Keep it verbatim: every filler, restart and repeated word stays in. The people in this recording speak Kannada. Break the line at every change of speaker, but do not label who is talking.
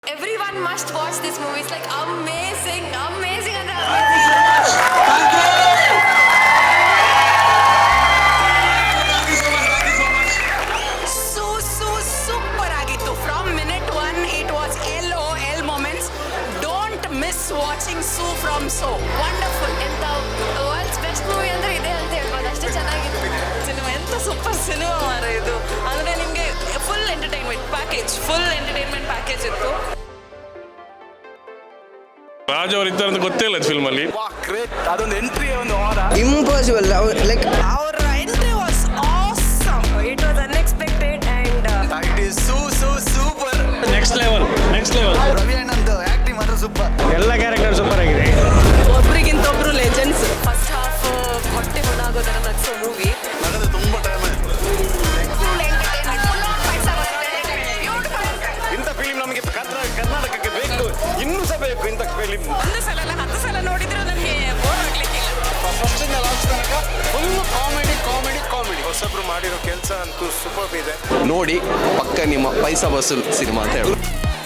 Everyone must watch this movie. It's like amazing, amazing and amazing. So so super ಆಗಿತ್ತು. From minute one, it was L O L moments. Don't miss watching Sue from So. Wonderful. ಎಂತ ವರ್ಲ್ಡ್ಸ್ ಬೆಸ್ಟ್ ಮೂವಿ ಅಂದ್ರೆ ಇದೆ ಅಂತ ಹೇಳ್ಬೋದು. ಅಷ್ಟೇ ಚೆನ್ನಾಗಿತ್ತು. ಸಿನಿಮಾ ಎಂತ ಸೂಪರ್ ಸಿನಿಮಾ ಮಾರ ಇದು. ಅಂದ್ರೆ ನಿಮಗೆ full entertainment package, full entertainment package ಇತ್ತು.
ರಾಜ್ ಅವರು ಇದ್ದಾರೆ ಅಂತ ಗೊತ್ತೇ ಇಲ್ಲ ಫಿಲ್ಮ್ ಅಲ್ಲಿ.
ಅದೊಂದು ಎಂಟ್ರಿ ಒಂದು
ಇಂಪಾಸಿಬಲ್ ಲೈಕ್
ಅವರ entry was awesome. It was unexpected and
it is so so super.
Next level next level.
Ravi ಅಣ್ಣಂದು ಆಕ್ಟಿಂಗ್ ಮಾತ್ರ ಸೂಪರ್.
ಎಲ್ಲ ಕ್ಯಾರೆಕ್ಟರ್ ಸೂಪರ್ ಆಗಿದೆ.
ಒಬ್ರಿಗಿಂತ ಒಬ್ರು ಲೆಜೆಂಡ್ಸ್. ಫಸ್ಟ್ ಹಾಫ್ ಹೊಟ್ಟೆ ಹೊಣಾಗೋದರ ನಗ್ಸೋ ಮೂವಿ.
ನನಗೆ ತುಂಬಾ ಟೈಮ್ ಆಯ್ತು. ಇಂಥ ಫಿಲಿಂ ನಮಗೆ ಕರ್ನಾಟಕಕ್ಕೆ ಬೇಕು, ಇನ್ನೂ ಸಹ ಬೇಕು ಇಂಥ ಫಿಲಿಂ.
ಒಂದು ಸಲ ಅಲ್ಲ ಹತ್ತು ಸಲ ನೋಡಿದ್ರು ನನಗೆ ಬೋರ್ ಆಗ್ಲಿಕ್ಕಿಲ್ಲ.
ಫಸ್ಟ್ ಇಂದ ಲಾಸ್ಟ್ ತನಕ ಫುಲ್ ಕಾಮಿಡಿ ಕಾಮಿಡಿ ಕಾಮಿಡಿ. ಹೊಸಬ್ರು ಮಾಡಿರೋ ಕೆಲಸ ಅಂತೂ ಸೂಪರ್ ಇದೆ.
ನೋಡಿ ಪಕ್ಕ ನಿಮ್ಮ ಪೈಸಾ ವಸೂಲ್ ಸಿನಿಮಾ ಅಂತ ಹೇಳಿ.